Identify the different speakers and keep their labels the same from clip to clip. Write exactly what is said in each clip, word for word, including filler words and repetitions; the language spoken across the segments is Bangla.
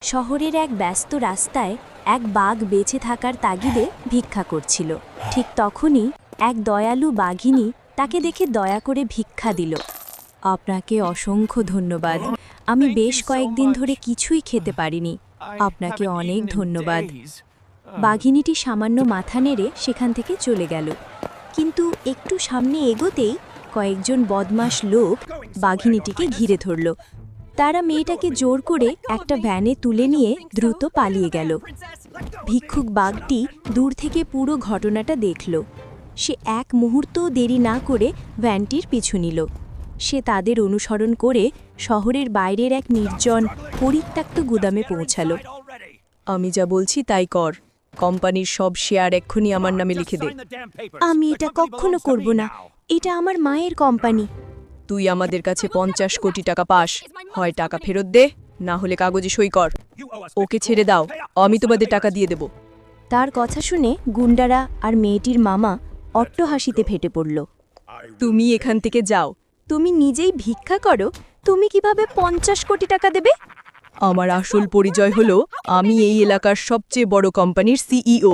Speaker 1: শহরের এক ব্যস্ত রাস্তায় এক বাঘ বেঁচে থাকার তাগিদে ভিক্ষা করছিল। ঠিক তখনই এক দয়ালু বাঘিনী তাকে দেখে দয়া করে ভিক্ষা দিল। আপনাকে অসংখ্য ধন্যবাদ। আমি বেশ কয়েকদিন ধরে কিছুই খেতে পারিনি। আপনাকে অনেক ধন্যবাদ। বাঘিনীটি সামান্য মাথা নেড়ে সেখান থেকে চলে গেল। কিন্তু একটু সামনে এগোতেই কয়েকজন বদমাশ লোক বাঘিনীটিকে ঘিরে ধরল। তারা মেয়েটাকে জোর করে একটা ভ্যানে তুলে নিয়ে দ্রুত পালিয়ে গেল। ভিক্ষুক বাঘটি দূর থেকে পুরো ঘটনাটা দেখল। সে এক মুহূর্তও দেরি না করে ভ্যানটির পিছু নিল। সে তাদের অনুসরণ করে শহরের বাইরের এক নির্জন পরিত্যক্ত গুদামে পৌঁছালো।
Speaker 2: আমি যা বলছি তাই কর। কোম্পানির সব শেয়ার এক্ষুনি আমার নামে লিখে দে।
Speaker 1: আমি এটা কখনো করব না। এটা আমার মায়ের কোম্পানি।
Speaker 2: তুই আমাদের কাছে পঞ্চাশ কোটি টাকা পাস, হয় টাকা ফেরত দে, না হলে কাগজে সই কর। ওকে ছেড়ে দাও, আমি তোমাদের টাকা দিয়ে দেব।
Speaker 1: তার কথা শুনে গুন্ডারা আর মেয়েটির মামা অট্টহাসিতে ফেটে পড়ল।
Speaker 2: তুমি এখান থেকে যাও।
Speaker 1: তুমি নিজেই ভিক্ষা করো, তুমি কিভাবে পঞ্চাশ কোটি টাকা দেবে?
Speaker 2: আমার আসল পরিচয় হলো আমি এই এলাকার সবচেয়ে বড় কোম্পানির সিইও।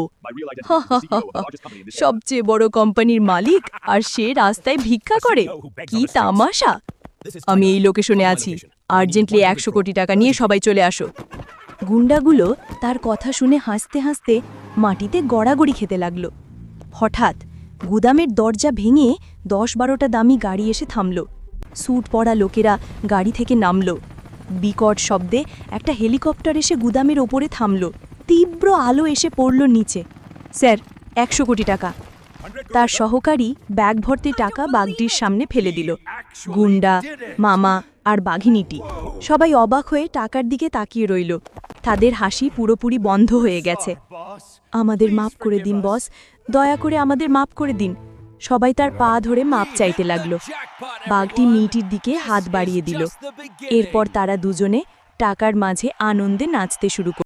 Speaker 2: সবচেয়ে বড় কোম্পানির মালিক, আর সে রাস্তায় ভিক্ষা করে। কি তামাশা! আমি এই লোকেশনে আছি। আর্জেন্টলি একশো কোটি টাকা নিয়ে সবাই চলে আসো।
Speaker 1: গুন্ডাগুলো তার কথা শুনে হাসতে হাসতে মাটিতে গড়াগড়ি খেতে লাগল। হঠাৎ গুদামের দরজা ভেঙে দশ বারোটা দামি গাড়ি এসে থামল। স্যুট পরা লোকেরা গাড়ি থেকে নামল। বিকট শব্দে একটা হেলিকপ্টার এসে গুদামের ওপরে থামল। তীব্র আলো এসে পড়ল নিচে। স্যার, একশো কোটি টাকা। তার সহকারী ব্যাগ ভর্তি টাকা বাঘটির সামনে ফেলে দিল। গুন্ডা, মামা আর বাঘিনীটি সবাই অবাক হয়ে টাকার দিকে তাকিয়ে রইল। তাদের হাসি পুরোপুরি বন্ধ হয়ে গেছে। আমাদের মাফ করে দিন বস, দয়া করে আমাদের মাফ করে দিন। সবাই তার পা ধরে মাপ চাইতে লাগলো। বাঘটি মেয়েটির দিকে হাত বাড়িয়ে দিল। এরপর তারা দুজনে টাকার মাঝে আনন্দে নাচতে শুরু করল।